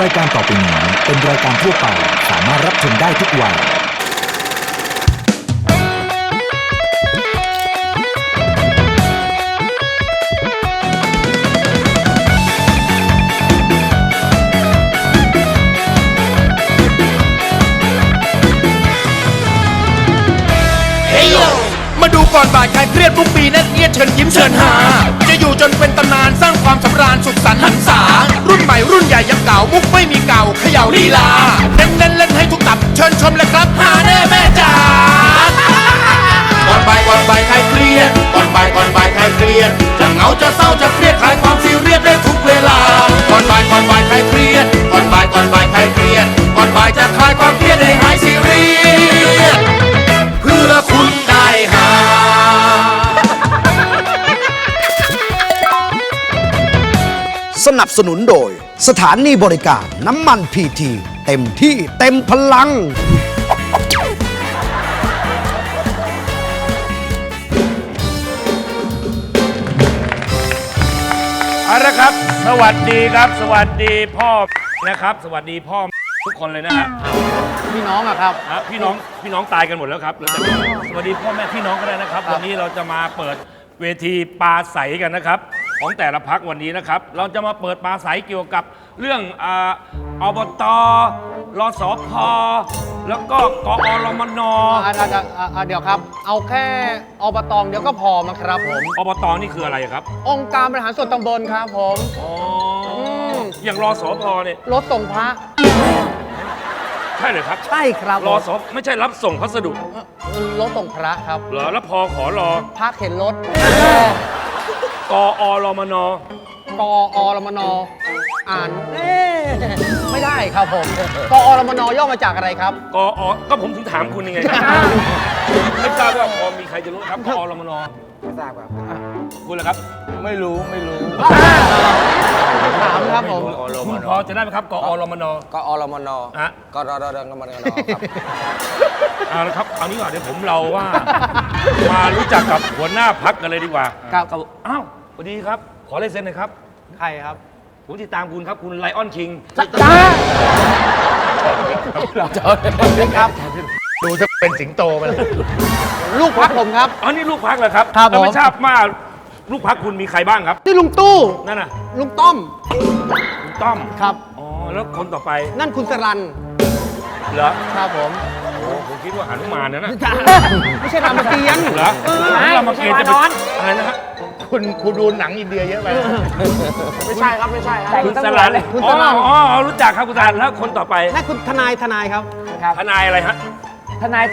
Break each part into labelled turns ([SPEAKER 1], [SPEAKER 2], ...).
[SPEAKER 1] รายการต่อไปนี้เป็นรายการทั่วไปสามารถรับชมได้ทุกวัย
[SPEAKER 2] มาดูก่อนบ่ายใครเครียดทุกปีนั่นเอียดเชิญยิ้มเชิญหาจะอยู่จนเป็นตำนานสร้างความสำราญสุขสันต์หันษารุ่นใหม่รุ่นใหญ่ยังเก่ามุกไม่มีเก่าเขย่าลีลาเน้นเล่นให้ทุกตับเชิญชมเลยครับหาแน่แม่จ๋าก่อนบ่ายใครเครียดก่อนบ่ายใครเครียดจะเหงาจะเศร้าจะเครียดคลายความซีเรียสได้ทุกเวลาก่อนบ่ายใครเครียดก่อนบ่ายใครเครียดก่อนบ่ายจะคลายความเครียดให้หายซีเรียสเพื่อคุณได้หา
[SPEAKER 3] สนับสนุนโดยสถานีบริการน้ำมันพีทีเต็มที่เต็มพลัง
[SPEAKER 4] เอาละครับสวัสดีครับสวัสดีพ่อนะครับสวัสดีพ่อทุกคนเลยนะฮะ
[SPEAKER 5] พี่น้องอะครับ
[SPEAKER 4] พี่น้องตายกันหมดแล้วครับแล้วแต่สวัสดีพ่อแม่พี่น้องก็ได้นะครับวันนี้เราจะมาเปิดเวทีปราศัยกันนะครับของแต่ละพรรควันนี้นะครับเราจะมาเปิดปราศัยเกี่ยวกับเรื่องอบตรสพแล้วก็กอรมน
[SPEAKER 5] เดี๋ยวครับ เอาแค่อบตเดี๋ยวก็พอมั้งครับผม
[SPEAKER 4] อบตนี่คืออะไรครับ
[SPEAKER 5] องค์การบริหารส่วนตำบลครับผม
[SPEAKER 4] อ๋ออย่างรสพเนี่ย
[SPEAKER 5] รถส่งพระ
[SPEAKER 4] ใช่เลยครับ
[SPEAKER 5] ใช่ครับ
[SPEAKER 4] รสไม่ใช่รับส่งพัสดุ
[SPEAKER 5] รถส่งพระครับ
[SPEAKER 4] เหรอแล้วพอขอรอ
[SPEAKER 5] พระเข็นรถ
[SPEAKER 4] กอรมน
[SPEAKER 5] กอรมนอ่านไม่ได้ครับผมกอรมนย่อมาจากอะไรครับ
[SPEAKER 4] กอก็ผมถึงถามคุณยังไงครับไม่ทราบว่าพอมีใครจะรู้ครับกอรมน
[SPEAKER 5] ไม่ทราบครับ
[SPEAKER 4] คุณล่ะครับ
[SPEAKER 5] ไม่รู้ถามครับผม
[SPEAKER 4] คุณพอจะได้ไหมครับกอรมน
[SPEAKER 6] ก็อรมน
[SPEAKER 4] ฮะ
[SPEAKER 6] ก็รอรอรอรมนครับ
[SPEAKER 4] เอาละครับเอานี้ก่อนเดี๋ยวผมเราว่า มารู้จักกับหัวหน้าพักกันเลยดีกว่า
[SPEAKER 5] ครับ
[SPEAKER 4] อ้าวสวัสดีครับ ขอลายเซ็นหน่อยครับ
[SPEAKER 5] ใครครับ
[SPEAKER 4] ผมติดตามคุณครับคุณไลออนคิง
[SPEAKER 5] จ้า
[SPEAKER 4] ครับดูจะเป็นสิงโตไปเลย
[SPEAKER 5] ลูกพักผมครับ
[SPEAKER 4] อ๋อนี่ลูกพักเหรอครับ
[SPEAKER 5] ครับ
[SPEAKER 4] แล้วไม่
[SPEAKER 5] ผม
[SPEAKER 4] ทราบว่าลูกพักคุณมีใครบ้างครับ
[SPEAKER 5] นี่ลุงตู้
[SPEAKER 4] นั่นน่ะ
[SPEAKER 5] ลุงต้อม
[SPEAKER 4] คุณต้อม
[SPEAKER 5] ครับ
[SPEAKER 4] อ๋อแล้วคนต่อไป
[SPEAKER 5] นั่นคุณสรัน
[SPEAKER 4] เหรอ
[SPEAKER 5] ครับผม
[SPEAKER 4] โอ้ผมคิดว่าหนุมานนะ
[SPEAKER 5] ไม่ใช่รามเกียรติ์
[SPEAKER 4] เหรอรามเกียรติ์จะเป็นอะไรนะฮะ
[SPEAKER 7] คุณดูหนังอินเดียเยอะไป
[SPEAKER 5] ไม่ใช่ครับไม่ใช่ครับ
[SPEAKER 4] คุณสลัน
[SPEAKER 5] คุณ
[SPEAKER 4] อ๋
[SPEAKER 5] สรัน
[SPEAKER 4] อรู้จักครับคุณสลันแล้วคนต่อไป
[SPEAKER 5] นั่นคุณทนายครับ
[SPEAKER 4] ทนายอะไรฮะ
[SPEAKER 5] ทนาย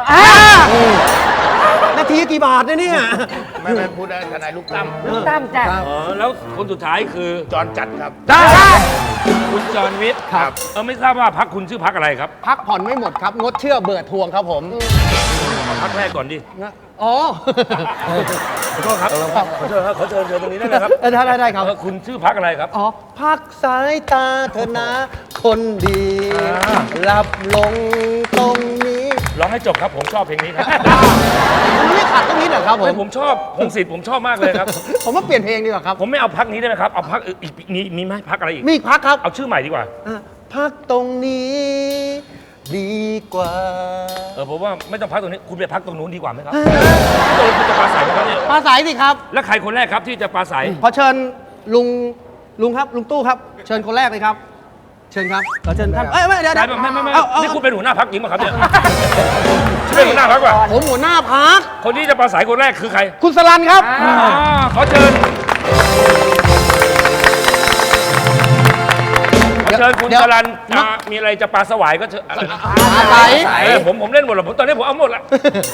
[SPEAKER 5] นาทีกี่บาทเนี่ย
[SPEAKER 7] ไม่พูดได้ทนายลูกตั้ม
[SPEAKER 5] ตั้มจ้ะ
[SPEAKER 4] อ๋อแล้วคนสุดท้ายคือ
[SPEAKER 7] จอนจัดครับ
[SPEAKER 4] คุณจอห์นวิทย์
[SPEAKER 5] ครับ
[SPEAKER 4] ไม่ทราบว่าพักคุณชื่อพักอะไรครับ
[SPEAKER 5] พักผ่อนไม่หมดครับ งดเชื่อเบิดทวงครับผม
[SPEAKER 4] พักแรกก่อนดิ
[SPEAKER 5] อ๋อ
[SPEAKER 4] ขอโทษครับขอเชิญครับขอเชิญตรงนี้ได้ไหมครับ
[SPEAKER 5] ได้ครับ
[SPEAKER 4] คุณชื่อพักอะไรครับ
[SPEAKER 5] อ๋อ พักสายตาเธอนะ คนดีหลับลงตรงนี้
[SPEAKER 4] ร้องให้จบครับผมชอบเพลงนี้ครับ
[SPEAKER 5] มันไม่ขัดตรงนี้เหรอครับผม
[SPEAKER 4] ไม่ผมชอบพงศิษฐ์ผมชอบมากเลยครับ
[SPEAKER 5] ผมว่าเปลี่ยนเพลงดีกว่าครับ
[SPEAKER 4] ผมไม่เอาพักนี้ได้ไหมครับเอาพักอีกมีไหมพักอะไรอีก
[SPEAKER 5] มีอีกพักครับ
[SPEAKER 4] เอาชื่อใหม่ดีกว่า
[SPEAKER 5] พักตรงนี้ ดีกว่า
[SPEAKER 4] ผมว่าไม่ต้องพักตรงนี้คุณไปพักตรงนู้นดีกว่าไหมครับตรงคุณจะปราศัยไหมครับเนี่ย
[SPEAKER 5] ปลาใสสิครับ
[SPEAKER 4] แล้วใครคนแรกครับที่จะปราศัย
[SPEAKER 5] ขอเชิญลุงครับลุงตู้ครับ เชิญคนแรกเลยครับ เชิญครับขอเชิญท่านไม่เดี๋ยว
[SPEAKER 4] ไม่นี่คุณเป็นหัวหน้าพักจริงป่ะครับเนี่ยเป็นหัวหน้าพักป่ะ
[SPEAKER 5] ผมหัวหน้าพัก
[SPEAKER 4] คนที่จะปราศัยคนแรกคือใคร
[SPEAKER 5] คุณสลันครับ
[SPEAKER 4] ขอเชิญคุณจรัญมีอะไรจะปลาสวายก็เชิญ
[SPEAKER 5] ปลาใส
[SPEAKER 4] ผมเล่นหมดแล้วตอนนี้ผมเอาหมดละ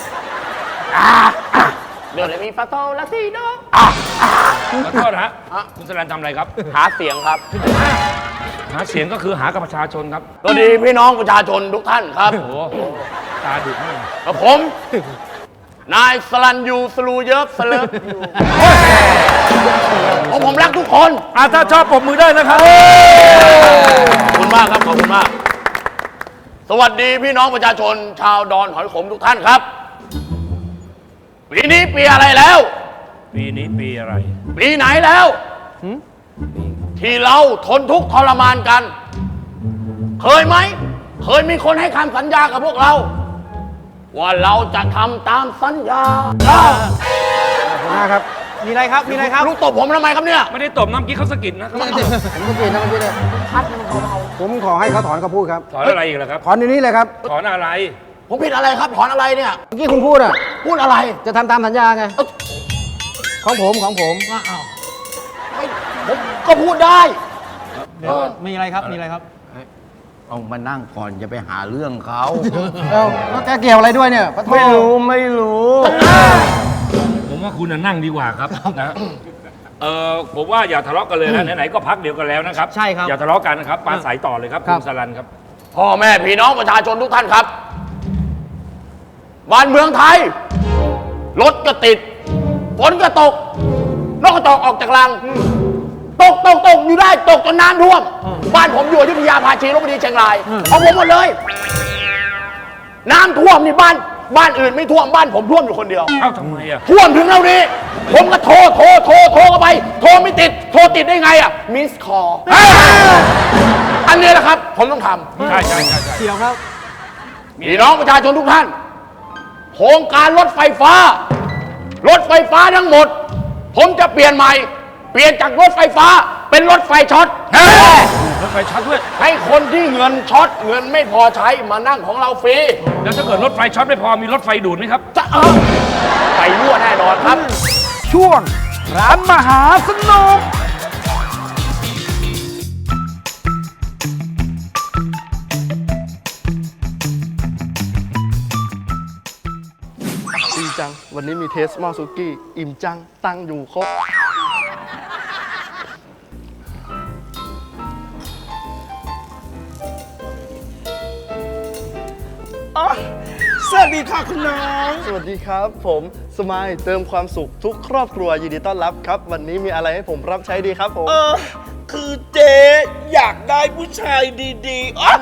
[SPEAKER 6] เดี๋ยวเลยมีฟาโต้ละสิโน
[SPEAKER 4] ขอโทษนะฮะคุณจรัญทำอะไรครับ
[SPEAKER 6] หาเสียงครับ
[SPEAKER 4] หาเสียงก็คือหากับประชาชนครับ
[SPEAKER 6] สวัสดีพี่น้องประชาชนทุกท่านครับ
[SPEAKER 4] โอ้โหตาดุมาก
[SPEAKER 6] กับผม นายสลันยูสลูเยิบสเลิฟอยู่ผมรักทุกคน
[SPEAKER 4] ถ้าชอบปรบมือได้นะครับ
[SPEAKER 6] ขอบคุณมากครับขอบคุณมาก สวัสดีพี่น้องประชาชน ชาวดอนหอยขมทุกท่านครับ ปีนี้ปีอะไรแล้ว
[SPEAKER 4] ปีนี้ปีอะไร
[SPEAKER 6] ปีไหนแล้ว ที่เราทนทุกข์ทรมานกันเคยไหม เคยมีคนให้คำสัญญากับพวกเรา ว่าเราจะทำตามสัญญา
[SPEAKER 5] หัวหน้าครับ มีอะไรครับ มีอะไรครับ
[SPEAKER 6] ลูกตบผมทำไมครับเนี่ย
[SPEAKER 4] ไม่ได้ตบน้ำกี้เขาสะกิดนะ
[SPEAKER 5] ผมก็เปลี่ยนนะเมื่อกี้เลยผมขอให้เขาถอนคำพูดครับ
[SPEAKER 4] ถอนอะไรอีกล่ะครับ
[SPEAKER 5] ถอนเดี๋ยวนี้เลยครับ
[SPEAKER 4] ถอนอะไร
[SPEAKER 6] ผมผิดอะไรครับ ถอนอะไรเนี่ย
[SPEAKER 5] เมื่อกี้คุณพูดอ่ะ
[SPEAKER 6] พูดอะไร
[SPEAKER 5] จะทำตามสัญญาไง ของผม
[SPEAKER 6] ไม่ผมก็พูดได้
[SPEAKER 5] มีอะไรครับ มีอะไรครับ
[SPEAKER 7] เอามานั่งก่อนจะไปหาเรื่องเขา
[SPEAKER 5] เอ้าแล้วแกเกี่ยวอะไรด้วยเนี่ยไม่รู้
[SPEAKER 4] ผมว่าคุณน่ะนั่งดีกว่าครับนะผมว่าอย่าทะเลาะกันเลยนะไหนๆก็พักเดียวกันแล้วนะครับ
[SPEAKER 5] ใช่ครับ
[SPEAKER 4] อย่าทะเลาะกันนะครับปาใสต่อเลยครับ
[SPEAKER 5] ครั
[SPEAKER 4] คุ
[SPEAKER 5] บ
[SPEAKER 4] ณสลันครับ
[SPEAKER 6] พ่อแม่พี่น้องประชาชนทุกท่านครับ บ้านเมืองไทย รถก็ติด ฝนก็ตก นกกระจอกออกจากรัง ตกอยู่ได้ ตกจนน้ำท่วม บ้านผมอยู่อยุธยาภาชีลพบุรีเชียงรายของผมหมดเลย น้ำท่วมนี่บ้านอื่นไม่ท่วม บ้านผมท่วมอยู่คนเดียว
[SPEAKER 4] เอ้าทำไมอ่ะ
[SPEAKER 6] ท่วมถึงเท่านี้ ผมก็โทรเข้าไป โทรไม่ติด โทรติดได้ไงอ่ะ มิสคอลอันนี้แหละครับ ผมต้องทำ
[SPEAKER 4] ใช่
[SPEAKER 5] เกี่ยวครับ
[SPEAKER 6] พี่น้องประชาชนทุกท่าน โครงการรถไฟฟ้าทั้งหมด ผมจะเปลี่ยนใหม่ เปลี่ยนจากรถไฟฟ้าเป็นรถไฟช็อต
[SPEAKER 4] รถไฟช็อตด้วย
[SPEAKER 6] ให้คนที่เงินช็อตเงินไม่พอใช้มานั่งของเราฟรี
[SPEAKER 4] แล้วถ้าเกิดรถไฟช็อตไม่พอมีรถไฟดูดไหมครับ
[SPEAKER 6] จะไปรั่วแน่นอนครับ
[SPEAKER 3] ช่วงร้านมหาสนุก
[SPEAKER 8] อิ่มจัง วันนี้มีเทสหม้อซุกี้ อิ่มจัง ตั้งอยู่ครบ
[SPEAKER 9] สวัสดีค่ะคุณน้อง
[SPEAKER 8] สวัสดีครับ ผมสมายเติมความสุขทุกครอบครัวยินดีต้อนรับครับ วันนี้มีอะไรให้ผมรับใช้ดีครับผม
[SPEAKER 9] คือเจ๊อยากได้ผู้ชายดีๆอ๊ะ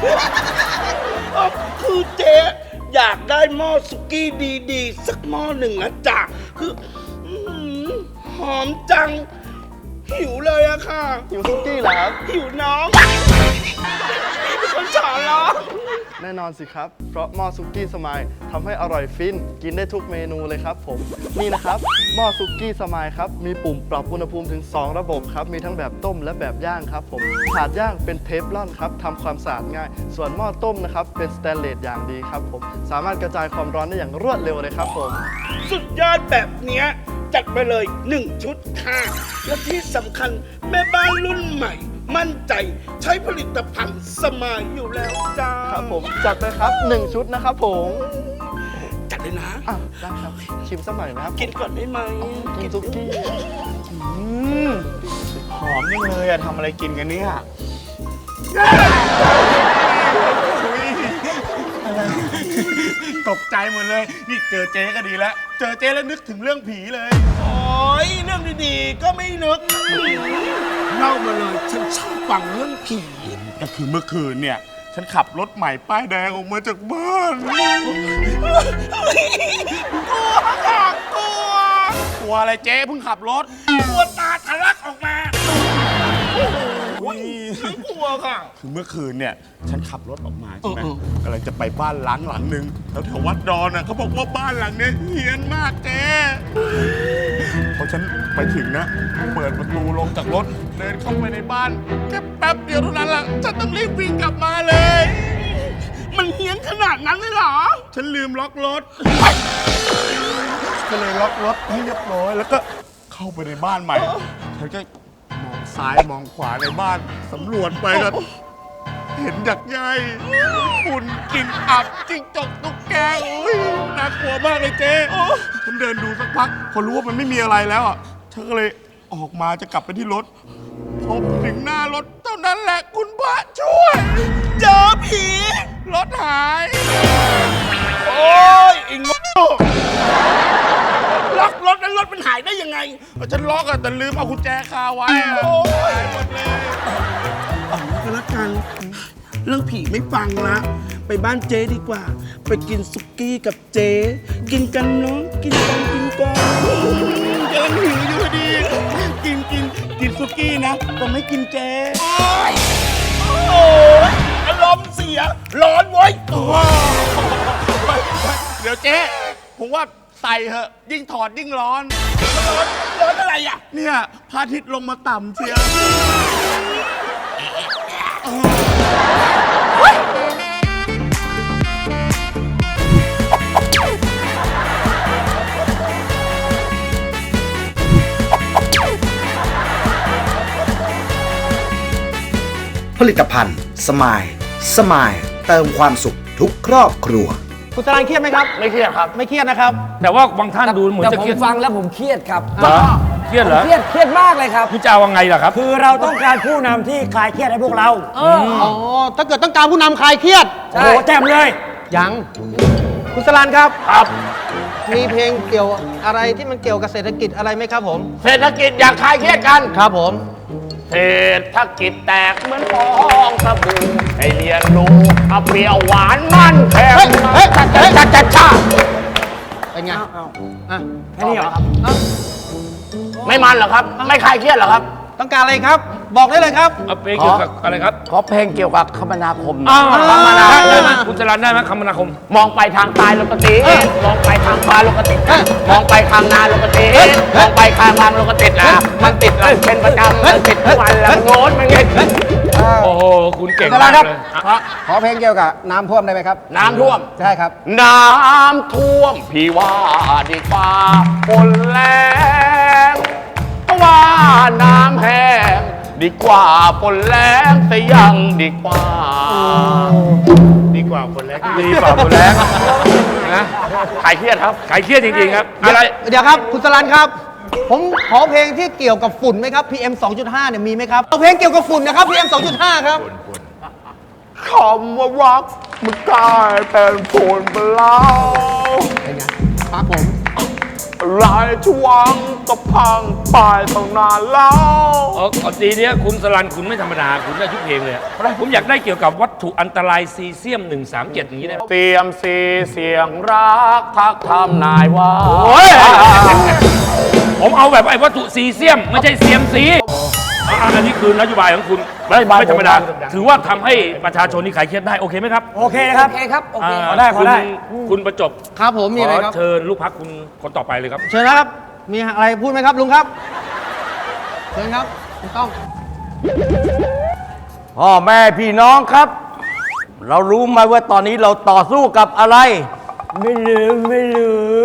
[SPEAKER 9] คือเจ๊อยากได้หม้อสุกี้ดีๆ สักหม้อหนึ่งนะจ๊ะคืออื้อหือหอมจัง หิวเลยอะค่ะ
[SPEAKER 8] หิวซุกี้เหรอครับ
[SPEAKER 9] หิวน้องคนฉาล้อ
[SPEAKER 8] แน่นอนสิครับ เพราะหม้อซุกี้สมายทำให้อร่อยฟิน กินได้ทุกเมนูเลยครับผม นี่นะครับหม้อซุกี้สมายครับ มีปุ่มปรับอุณหภูมิถึง 2 ระบบครับ มีทั้งแบบต้มและแบบย่างครับผมถาดย่างเป็นเทฟลอนครับทำความสะอาดง่าย ส่วนหม้อต้มนะครับเป็นสแตนเลสอย่างดีครับผม สามารถกระจายความร้อนได้อย่างรวดเร็วเลยครับผม
[SPEAKER 9] สุดยอดแบบเนี้ยจัดไปเลย 1 ชุดค่ะ และที่สำคัญแม่บ้านรุ่นใหม่ มั่นใจใช้ผลิตภัณฑ์สมายอยู่แล้วจ้า
[SPEAKER 8] ครับผมจัดไปครับ 1 ชุดนะครับผม
[SPEAKER 9] จัดเลยนะ
[SPEAKER 8] อ่ะได้ครับ ชิมสักหน่อยนะครับ
[SPEAKER 9] กินก่อนได้ไหม
[SPEAKER 8] กินซุกี้
[SPEAKER 7] หอมยังเลยอะทำอะไรกินกันเนี่ยตกใจหมดเลย นี่เจอเจ๊ก็ดีแล้ว เจอเจ๊แล้วนึกถึงเรื่องผีเลย
[SPEAKER 9] โอ้ยเรื่องดีๆ ก็ไม่นึกเล่ามาเลยฉันชอบฟังเรื่องผี
[SPEAKER 7] ก็คือเมื่อคืนเนี่ย ฉันขับรถใหม่ป้ายแดงออกมาจากบ้าน
[SPEAKER 9] กลัวค่ะกลัว
[SPEAKER 7] กลัวอะไรเจ๊เพิ่งขับรถ
[SPEAKER 9] กลัวตาทะลักออกมาฉันกลัวค่ะ
[SPEAKER 7] คือเมื่อคืนเนี่ย ฉันขับรถออกมาใช่ไหมกำลังจะไปบ้านล้างหลังหนึ่งแถววัดดอนอ่ะเขาบอกว่าบ้านหลังเนี้ยเฮี้ยนมากเจ๊พอฉันไปถึงนะ เปิดประตูลงจากรถ เดินเข้าไปในบ้านแค่แป๊บเดียวเท่านั้นแหละฉันต้องรีบวิ่งกลับมาเลย
[SPEAKER 9] มันเฮี้ยนขนาดนั้นเลยเหรอ
[SPEAKER 7] ฉันลืมล็อกรถ ก็เลยล็อกรถให้เรียบร้อย แล้วก็เข้าไปในบ้านใหม่ ฉันก็มองซ้ายมองขวาในบ้านสำรวจไปก็เห็นดักใยฝุ่นกลิ่นอับจิ้งจกตุ๊กแกโอ้ยน่ากลัวมากเลยเจ๊ฉันเดินดูสักพักพอรู้ว่ามันไม่มีอะไรแล้วอ่ะฉันก็เลยออกมาจะกลับไปที่รถพอถึงหน้ารถเท่านั้นแหละคุณพระช่วย
[SPEAKER 9] เจอผี
[SPEAKER 7] รถหาย
[SPEAKER 9] โอ้ยไอ้โง่ล็อกรถแล้วรถมันหายได้ยังไง
[SPEAKER 7] ฉันล็อกอะแต่ลืมเอากุญแจคาไว้อะ
[SPEAKER 9] โอ้ย
[SPEAKER 7] หายหมดเลย
[SPEAKER 9] เอาก็แล้วกัน เรื่องผีไม่ฟังละ ไปบ้านเจ๊ดีกว่า ไปกินสุกี้กับเจ๊ กินกันเนาะ กินกันกำลังหิวอยู่พอดี กินสุกี้นะแต่ไม่กินเจ๊โอ้ยอะไรมณ์เสีย ร้อนเว้ย
[SPEAKER 7] เดี๋ยวเจ๊ผมว่าใส่เหอะ ยิ่งถอดยิ่งร้อน
[SPEAKER 9] ร้อนอะไรอ่ะ
[SPEAKER 7] เนี่ยพระอาทิตย์ลงมาต่ำเชียว
[SPEAKER 3] ผลิตภัณฑ์สมายสมายเติมความสุขทุกครอบครัว
[SPEAKER 5] คุณสรานเครียดไหมครับ
[SPEAKER 6] ไม่เครียดครับ
[SPEAKER 5] ไม่เครียดนะครับ
[SPEAKER 4] แต่ว่าบางท่านดูเหมือน
[SPEAKER 10] แต่
[SPEAKER 4] จะ
[SPEAKER 10] ผ
[SPEAKER 4] เค
[SPEAKER 10] ม
[SPEAKER 4] รียด
[SPEAKER 10] ฟังแล้วผมเครียดครับ
[SPEAKER 4] เหรอเครียดเหรอ
[SPEAKER 10] เครียดมากเลยครับ
[SPEAKER 4] คุณจะเอายังไงล่ะครับ
[SPEAKER 10] คือเราต้องการผู้นำที่คลายเครียดให้พวกเรา
[SPEAKER 5] อ๋อ ถ้าเกิดต้องการผู้นำคลายเครียด
[SPEAKER 10] โอ้โหแจ่มเลย
[SPEAKER 5] ยัง คุณสรานครับ
[SPEAKER 6] ครับ
[SPEAKER 5] มีเพลงเกี่ยวอะไรที่มันเกี่ยวกับเศรษฐกิจอะไรไหมครับผม
[SPEAKER 6] เศรษฐกิจอยากคลายเครียดกัน
[SPEAKER 5] ครับผม
[SPEAKER 6] เศรษฐกิจแตกเหมือนฟองสบู่ให้เรียนรู้เอาเปรี้ยวหวานมันแข็ง
[SPEAKER 5] เฮ้ย
[SPEAKER 6] จ้า
[SPEAKER 5] เป็นไงอ่ะ
[SPEAKER 10] แค่นี้เหรอครับ
[SPEAKER 6] ไม่มันเหรอครับ ไม่คลายเครียดเหรอครับ
[SPEAKER 5] ต้องการอะไรครับ บอกได้เลยครับ
[SPEAKER 4] เอาเพลงเกี่ยวกับอะไรครับ
[SPEAKER 6] ขอเพลงเกี่ยวกับคมนาคม
[SPEAKER 4] อ้าว
[SPEAKER 5] คมนาคม
[SPEAKER 4] ได้ไหมคุณจรันได้ไหมคมนาคม
[SPEAKER 6] มองไปทางซ้ายลงกติมองไปทางขวาลงกติมองไปทางนาลงกติมองไปทางทางลงกตินะมันติดแล้วเป็นประจำมันติดทุกวันแล้วโน้นมันเงี้ย
[SPEAKER 4] โอ้โห คุณเก่ง
[SPEAKER 10] คุณจรั
[SPEAKER 4] มาน ก
[SPEAKER 10] ครับ
[SPEAKER 4] เลย
[SPEAKER 10] ขอเพลงเกี่ยวกับน้ำท่วมได้ไหมครับ
[SPEAKER 6] น้ำท่วม
[SPEAKER 10] ใช่ครับ
[SPEAKER 6] น้ำท่วมพี่ว่าดีกว่าฝนแรงเพราะว่าน้ำแห้งดีกว่าฝนแรงแต่ยังดีกว่า
[SPEAKER 7] ดีกว่าคนแรก
[SPEAKER 4] ดีเปล่าคุณแรงนะ
[SPEAKER 6] ขายเครียดครับ
[SPEAKER 4] ขายเครียดจริงๆครับ อะไร
[SPEAKER 5] เดี๋ยวครับ คุณสรันครับ ผมขอเพลงที่เกี่ยวกับฝุ่นไหมครับ PM 2.5 เนี่ยมีไหมครับเอาเพลงเกี่ยวกับฝุ่นนะครับ PM 2.5 ครับ
[SPEAKER 7] คำว่ารักมันกลายเป็นผลไปแล้ว
[SPEAKER 5] เป็นไงครับผม
[SPEAKER 7] หลายช่วงก็พังไปตั้งนานแล้ว
[SPEAKER 4] เอาตีเนี้ยคุณสลันคุณไม่ธรรมดา คุณได้ทุกเพลงเลยอะผมอยากได้เกี่ยวกับวัตถุอันตรายซีเซียม 137 อย่างนี้ได้ไหม
[SPEAKER 6] เตรียมซีเสียงรักทักทำนายว่า
[SPEAKER 4] ผมเอาแบบไอ้วัตถุซีเซียม ไม่ใช่เซียมซีอันนี้คือนโยบายของคุณไม่ธรรมดา ถือว่าทำให้ประชาชนนี่ขายเครียดได้ โอเคไหมครับ
[SPEAKER 10] โอเคนะครับ โอเคครับ โอเคขอได้ ขอได้
[SPEAKER 4] คุณประจบ
[SPEAKER 5] ครับผมมีอะไร
[SPEAKER 4] ข
[SPEAKER 5] ครับ
[SPEAKER 4] เชิญลูกพักคุณคนต่อไปเลยครับ
[SPEAKER 5] เชิญนะครับ มีอะไรพูดไหมครับลุงครับ เชิญครับคุณต้อง
[SPEAKER 11] พ่อแม่พี่น้องครับ เรารู้ไหมว่าตอนนี้เราต่อสู้กับอะไร
[SPEAKER 10] ไม่ลืม ไม่ลืม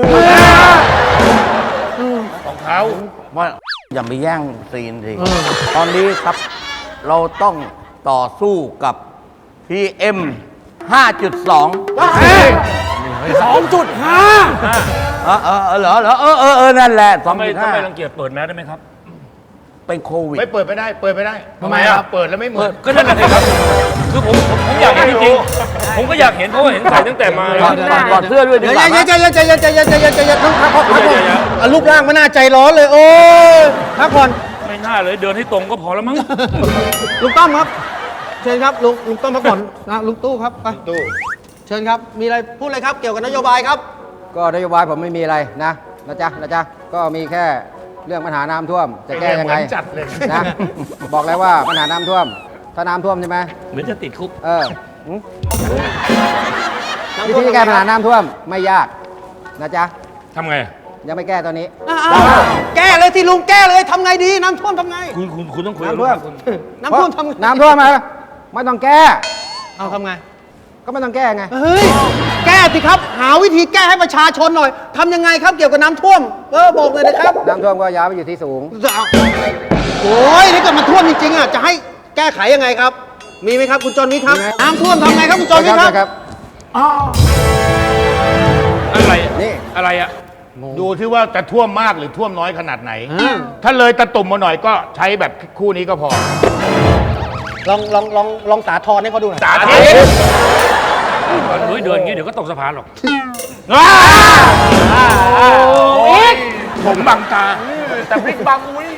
[SPEAKER 4] ของเขา
[SPEAKER 11] ว่าอย่าไปแย่งซีนสิตอนนี้ครับ เราต้องต่อสู้กับ PM 5.2 เหรอ นั่นแหละ
[SPEAKER 4] ทำไมรัง
[SPEAKER 11] 2.5
[SPEAKER 4] เกียจเปิดแมสได้ไหมครับ
[SPEAKER 11] เป็นโควิด
[SPEAKER 7] ไม่เปิดไม่ได้ เปิดไม่ได้
[SPEAKER 4] ทำไมอะ
[SPEAKER 7] เปิดแล้วไม่เหมือน
[SPEAKER 4] ก็นั่นแหละสิครับ คือผมอยากเห็นจริงๆ ผมก็อยากเห็นเพราะว่าเห็นใส่ตั้งแต่มา
[SPEAKER 11] ถอดเสื้อด้วยดี
[SPEAKER 5] เดี๋ยว
[SPEAKER 11] กว่าไหม
[SPEAKER 5] ใจเย็นใจเย็นใจเย็นใจเย็นใจเย็นพักผ่อนพักผ่อน
[SPEAKER 4] เดี๋ยว
[SPEAKER 5] อ่ะรูปร่างไม่น่าใจร้อนเลย โอ้ยพักผ่อน
[SPEAKER 4] ไม่น่าเลยเดินให้ตรงก็พอแล้วมั้ง
[SPEAKER 5] ลุงต้อมครับ เชิญครับลุงต้อมพักผ่อนนะลุงตู้ครับไปตู้เชิญครับ มีอะไรพูดเลยครับเกี่ยวกับนโยบายครับ
[SPEAKER 10] ก็นโยบายผมไม่มีอะไรนะจ๊ะ ก็มีแค่เรื่องปัญหาน้ำท่วม จะแก้ยังไง
[SPEAKER 7] เหมือนจัดเลย
[SPEAKER 10] นะ บอกแล้วว่าปัญหาน้ำท่วม ถ้าน้ำท่วมใช่ไหม
[SPEAKER 4] เหมือนจะติดคุก
[SPEAKER 10] วิธีแก้ปัญหาน้ำท่วมไม่ยากนะจ๊ะ
[SPEAKER 4] ทำไง
[SPEAKER 10] ยังไม่แก้ตอนนี้
[SPEAKER 5] แก้เลยที่ลุงแก้เลยทำไงดีน้ำท่วมทำไง
[SPEAKER 4] คุณต้องคุยกับ
[SPEAKER 10] น้ำท่วม
[SPEAKER 4] คุณ
[SPEAKER 5] น้ำท่วมทำไง
[SPEAKER 10] น้ำท่วมมาไม่ต้องแก้
[SPEAKER 5] เอาทำไง
[SPEAKER 10] ก็ไม่ต้องแก้ไง
[SPEAKER 5] เฮ้ยแก้สิครับ หาวิธีแก้ให้ประชาชนหน่อยทำยังไงครับเกี่ยวกับน้ำท่วมบอกเลยนะครับ
[SPEAKER 10] น้ำท่วมก็ย้ายไปอยู่ที่สูง
[SPEAKER 5] โอ้ยถ้าเกิดมันท่วมจริงๆอ่ะจะให้แก้ไขยังไงครับ มีไหมครับคุณจรวิทย์ครับ
[SPEAKER 10] มีไหม
[SPEAKER 5] น้ำท่วมทำไงครับคุณจรวิทย์ครับ
[SPEAKER 4] อะไร
[SPEAKER 10] นี่
[SPEAKER 4] อะไรอะ
[SPEAKER 7] ดูที่ว่าจะท่วมมากหรือท่วมน้อยขนาดไหน ถ้าเลยตะตุ่มมาหน่อยก็ใช้แบบคู่นี้ก็พอ
[SPEAKER 5] ลองสาธรให้เขาดูหน่อย
[SPEAKER 7] สาธิต
[SPEAKER 4] เฮ้ยเดินอย่างงี้เดี๋ยวก็ตกสะพานหรอก
[SPEAKER 7] ผมบังตา
[SPEAKER 6] แต่พริกบังอุ้ย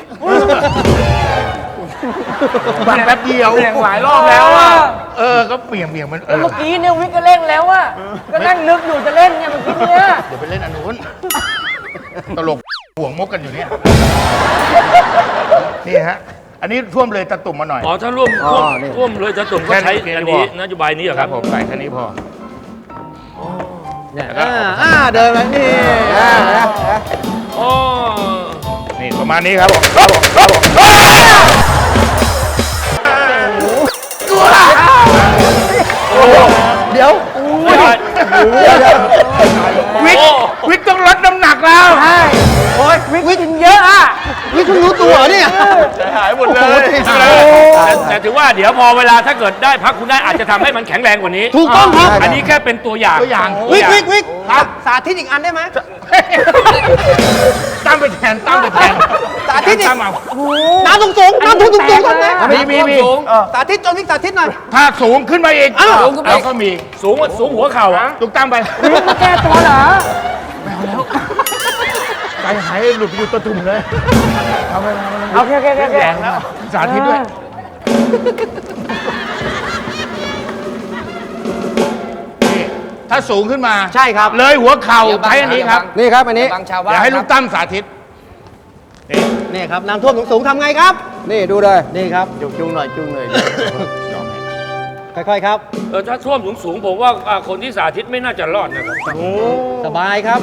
[SPEAKER 7] บังแป๊บเดียว
[SPEAKER 6] เปลี่ยนหลายรอบแล้วอะ
[SPEAKER 7] ก็เบี่ยงมัน
[SPEAKER 10] เมื่อกี้เนี่ยวิกก็เล่นแล้วอะก็นั่งนึกอยู่จะเล่นเนี่ยเมื่อกี้เนี่ย
[SPEAKER 7] เดี๋ยวไปเล่นอันนู้นตลกห่วงมกกันอยู่เนี่ย นี่ฮะอันนี้ท่วมเลยตะตุ่มมาหน่อย
[SPEAKER 4] อ๋อถ้าร่วมเลยจะตุ่มก็ใช้
[SPEAKER 7] แค่นี้
[SPEAKER 4] อันนี้
[SPEAKER 7] พอ
[SPEAKER 4] นโยบายนี้เหรอ
[SPEAKER 7] ค
[SPEAKER 4] ค
[SPEAKER 7] รั
[SPEAKER 4] รั
[SPEAKER 7] บบ ผมใส่แค่นี้พอ
[SPEAKER 5] เดินไปนี่
[SPEAKER 4] โอ้
[SPEAKER 7] นี่ประมาณนี้ครับผม
[SPEAKER 5] เดี๋ยว
[SPEAKER 7] วิกต้องลดน้ำหนักแล้ว
[SPEAKER 5] โอ้ยวิกินเยอะอ่ะวิคุณรู้ตัวเนี่ย
[SPEAKER 7] หายหมดเลย
[SPEAKER 4] แต่ถือว่าเดี๋ยวพอเวลาถ้าเกิดได้พักคุณได้อาจจะทำให้มันแข็งแรงกว่านี้
[SPEAKER 5] ถูกต้องครับ
[SPEAKER 4] อันนี้แค่เป็นตัวอย่าง
[SPEAKER 5] วิกครับสาธิตอีกอันได้ไหม
[SPEAKER 7] ตั้งไปแทน
[SPEAKER 5] สาธิตอีก
[SPEAKER 7] ตั้งเอา
[SPEAKER 5] น้ำสูงๆน้ำสูงๆก่อนนะ
[SPEAKER 7] มี
[SPEAKER 5] สาธิตจนวิกสาธิตหน่อย
[SPEAKER 7] ถ้าสูงขึ้นมาอีก
[SPEAKER 4] สูงขึ้นไป
[SPEAKER 7] เราก็มี
[SPEAKER 4] สูงหัวเข่าอะ
[SPEAKER 7] ตุกตั้งไป
[SPEAKER 5] มาแก้ตัวเหรอ
[SPEAKER 7] ใจหายหลุดไปอยู่ตะตุ่มเลย
[SPEAKER 5] โอเค
[SPEAKER 7] แรงแล้ว สาธิตด้วย นี่ถ้าสูงขึ้นมา
[SPEAKER 5] ใช่ครับ
[SPEAKER 7] เลยหัวเข่าใช้อันนี้ครับ
[SPEAKER 10] นี่ครับอันนี้
[SPEAKER 7] เดี๋ยวให้ลูกตั้มสาธิต
[SPEAKER 5] นี่ครับน้ำท่วมสูงๆทำไงครับ
[SPEAKER 10] นี่ดูเลย
[SPEAKER 5] นี่ครับ
[SPEAKER 6] จุงหน่อย
[SPEAKER 5] ค่อยๆครับ
[SPEAKER 4] ถ้าท่วมสูงผมว่าคนที่สาธิตไม่น่าจะรอดนะครับ
[SPEAKER 5] สบายครับ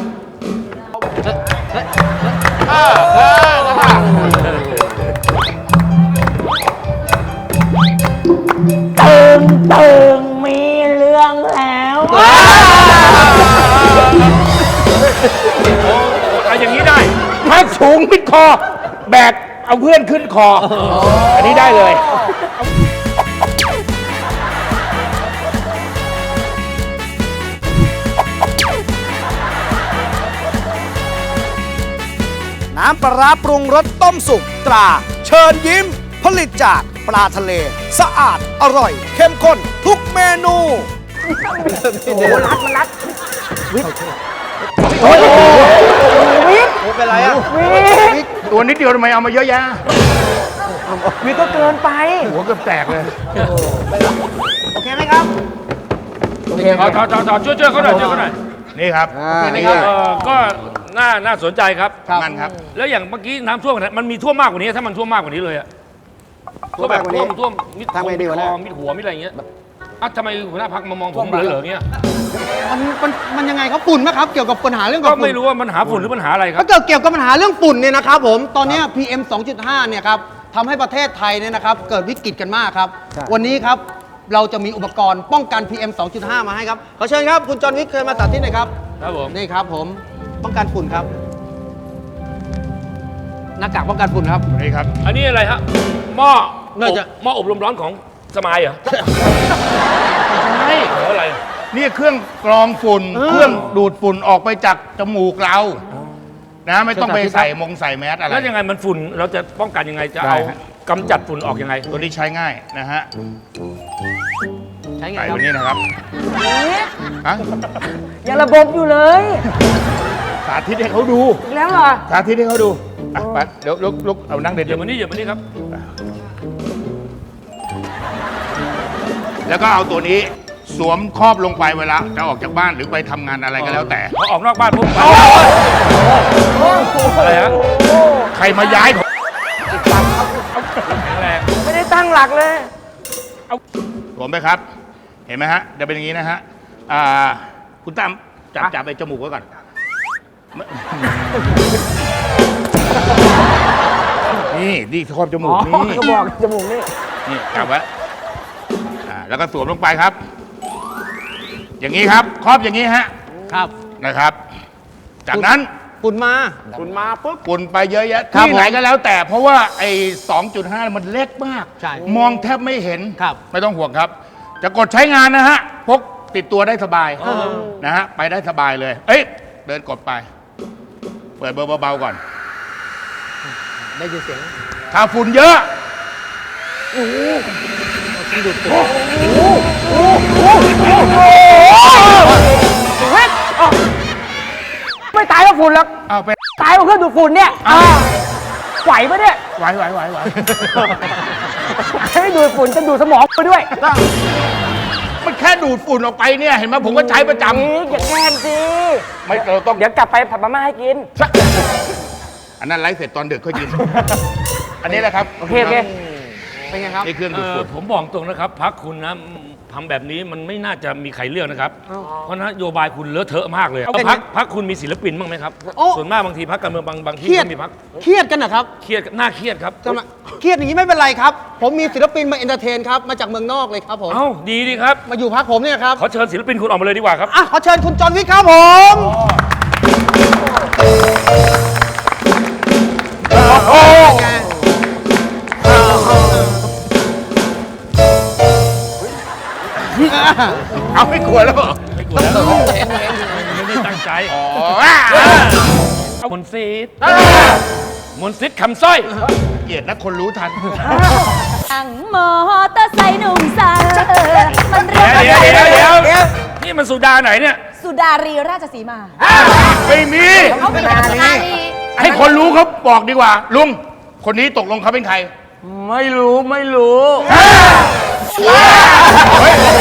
[SPEAKER 4] เอาอย่างนี้ได้
[SPEAKER 7] ถ้าสูงมิดคอ แบกเอาเพื่อนขึ้นคอ อันนี้ได้เลย
[SPEAKER 3] น้ำปลาร้าปรุงรสต้มสุกตรา เชิญยิ้ม ผลิตจากปลาทะเล สะอาดอร่อย เข้มข้นทุกเมนู
[SPEAKER 5] เป็นไรอ่ะ
[SPEAKER 7] ตัวนิดเดียวทำไมเอามาเยอะแยะ
[SPEAKER 5] วิกก็เกินไป
[SPEAKER 7] หัวเกือบแตกเลย
[SPEAKER 5] โอเคไหมครับ
[SPEAKER 4] ถอดช่วยเขาหน่อยช่วยเขาหน่อย
[SPEAKER 7] นี่ครับ
[SPEAKER 4] นี่ก็น่าสนใจครับ
[SPEAKER 7] นั่นครับ
[SPEAKER 4] แล้วอย่างเมื่อกี้น้ำท่วมมันมีท่วมมากกว่านี้ถ้ามันท่วมมากกว่านี้เลยอะท่วมแบบท่วมมิด
[SPEAKER 10] ทำไงดีวะเนี่ย
[SPEAKER 4] คอมิดหัวมิดอะไรอย่างเงี้ยทำไมหัวหน้าพักมามองผมเหลือๆเงี้ย
[SPEAKER 5] มันยังไงครับฝุ่นไหมครับ เกี่ยวกับปัญหาเรื่อง
[SPEAKER 4] ก็
[SPEAKER 5] กับฝุ่น
[SPEAKER 4] ไม่รู้ว่ามันหาฝุ่นหรือปัญหาอะไรครับ
[SPEAKER 5] ถ้าเกิดเกี่ยวกับปัญหาเรื่องฝุ่นเนี่ยนะครับผมตอนเนี้ย PM 2.5 เนี่ยครับทำให้ประเทศไทยเนี่ยนะครับเกิดวิกฤตกันมากครับ
[SPEAKER 10] ใช่
[SPEAKER 5] วันนี้ครับเราจะมีอุปกรณ์ป้องกัน PM 2.5 มาให้ครับขอเชิญครับคุณจอห์นวิกเคยมาสาธิตหน่อยครับ
[SPEAKER 4] ครับผม
[SPEAKER 5] นี่ครับผมป้องกันฝุ่นครับหน้ากากป้องกันฝุ่นครับ
[SPEAKER 7] นี่ครับ
[SPEAKER 4] อันนี้อะไรฮะหม้อ
[SPEAKER 5] น่าจะ
[SPEAKER 4] หม้ออบลมร้อนของสมายเหรอใช่อะไร
[SPEAKER 7] นี่เครื่องกรองฝุ่น เครื่องดูดฝุ่นออกไปจากจมูกเรานะไม่ต้องไปใส่ใส่แมสอะไร
[SPEAKER 4] แล้วยังไงมันฝุ่นเราจะป้องกันยังไงจะเอา
[SPEAKER 7] ได้ฮะ
[SPEAKER 4] กำจัดฝุ่นออกยังไง
[SPEAKER 7] ตัวนี้ใช้ง่ายนะฮะ
[SPEAKER 5] ใช้ไง
[SPEAKER 7] ใส่
[SPEAKER 5] ครั
[SPEAKER 7] ตั
[SPEAKER 5] บ
[SPEAKER 7] วนี้นะครับฮะ
[SPEAKER 12] ยังระบบอยู่เลย
[SPEAKER 7] สาธิตให้เขาดู
[SPEAKER 12] อีกแล้วเหรอ
[SPEAKER 7] สาธิตให้เขาดูอ่ะไปเดี๋ยวลุกเอานั่งเด็ด
[SPEAKER 4] เดี๋ยวมานี่ครับ
[SPEAKER 7] แล้วก็เอาตัวนี้สวมครอบลงไปเวลาจะออกจากบ้านหรือไปทำงานอะไรก็แล้วแต่
[SPEAKER 4] พอออกนอกบ้านปุ๊บอะไรฮะ
[SPEAKER 7] ใครมาย้ายผม
[SPEAKER 4] แข็งแรง
[SPEAKER 12] ไม่ได้ตั้งหลักเลย
[SPEAKER 7] สวมไปครับ เห็นไหมฮะจะเป็นอย่างนี้นะฮะคุณตั้มจับไปจมูกไว้ก่อนนี่ครอบจมูกนี่
[SPEAKER 12] ก็บอกจมูกนี่
[SPEAKER 7] นี่จับไว้แล้วก็สวมลงไปครับ อย่างนี้ครับครอบอย่างนี้ฮะ
[SPEAKER 5] ครับ
[SPEAKER 7] นะครับ จากนั้น
[SPEAKER 5] ฝุ่นมา
[SPEAKER 7] ฝุ่นไปเยอะแยะ
[SPEAKER 5] ครับ
[SPEAKER 7] ที่ไหนก็แล้วแต่เพราะว่าไอ้ 2.5 มันเล็กมาก
[SPEAKER 5] ใช่
[SPEAKER 7] มองแทบไม่เห็น
[SPEAKER 5] ครับ
[SPEAKER 7] ไม่ต้องห่วงครับ จะกดใช้งานนะฮะ พกติดตัวได้สบายนะฮะ ไปได้สบายเลย เอ้ย เดินกดไป เปิดเบอร์เบาๆก่อน
[SPEAKER 5] ได้ยินเสียง
[SPEAKER 7] ถ้าฝุ่นเยอะ
[SPEAKER 12] ไม่ตายเพราะฝุ่นหรอก
[SPEAKER 7] เอาไป
[SPEAKER 12] ตายเพราะเครื่องดูดฝุ่นเนี่ยไหวปะเนี่ย
[SPEAKER 7] ไหว
[SPEAKER 12] ไม่ดูดฝุ่นจะดูดสมองไปด้วย
[SPEAKER 7] มันแค่ดูดฝุ่นออกไปเนี่ย เห็นไหมผมก็ใช้ประจ
[SPEAKER 12] อย่าแกล้งสิ
[SPEAKER 7] ำไม่เราต้อง
[SPEAKER 12] เดี๋ยวกลับไปผัดมาม่าให้กิน
[SPEAKER 7] อันนั้นไลฟ์เสร็จตอนดึกค่อยกิน อันนี้แหละครับ
[SPEAKER 12] โอเค
[SPEAKER 5] เป็นไงครับ
[SPEAKER 6] นี่เครื่องดูดฝุ่น
[SPEAKER 4] ผมบอกตรงนะครับพักคุณนะทำแบบนี้มันไม่น่าจะมีใครเลือกนะครับ เพราะนโยบายคุณเลอะเทอะมากเลยพักคุณมีศิลปินบ้างไหมครับ
[SPEAKER 5] โอ้
[SPEAKER 4] ส่วนมากบางทีพักการเมืองบางที่
[SPEAKER 5] เครียด
[SPEAKER 4] ก็มีพัก
[SPEAKER 5] เครียดกันนะครับ
[SPEAKER 4] เครียดน่าเครียดครับ
[SPEAKER 5] จะมาเครียดอย่างนี้ไม่เป็นไรครับ ผมมีศิลปินมาเอนเตอร์เทนครับ มาจากเมืองนอกเลยครับผม
[SPEAKER 4] เอ้าดีดีครับ
[SPEAKER 5] มาอยู่พักผมเนี่ยครับ
[SPEAKER 4] ขอเชิญศิลปินคุณออกมาเลยดีกว่าครับ
[SPEAKER 5] อ่ะขอเชิญคุณจอห์นวิกครับผม
[SPEAKER 6] โอ้ เอาไม่กลัวแล้วเหรอ
[SPEAKER 4] ไม่กลัวแล้วไม่ได้ตั้งใจมนต์ซิดมนต์ซิดคำสร้อย
[SPEAKER 6] เกลียดนะคนรู้ทัน
[SPEAKER 13] อังมอเตอร์ไซค์หนุ่มสาวมันเรียก
[SPEAKER 4] เดี๋ยวนี่มันสุดาไหนเนี่ย
[SPEAKER 13] สุดารีราชสีมา
[SPEAKER 6] ไม่มี
[SPEAKER 13] เขาเป็นสุดารี
[SPEAKER 6] ให้คนรู้เขาบอกดีกว่า ลุง คนนี้ตกลงเขาเป็นใคร
[SPEAKER 11] ไม่รู้
[SPEAKER 6] เฮ้ย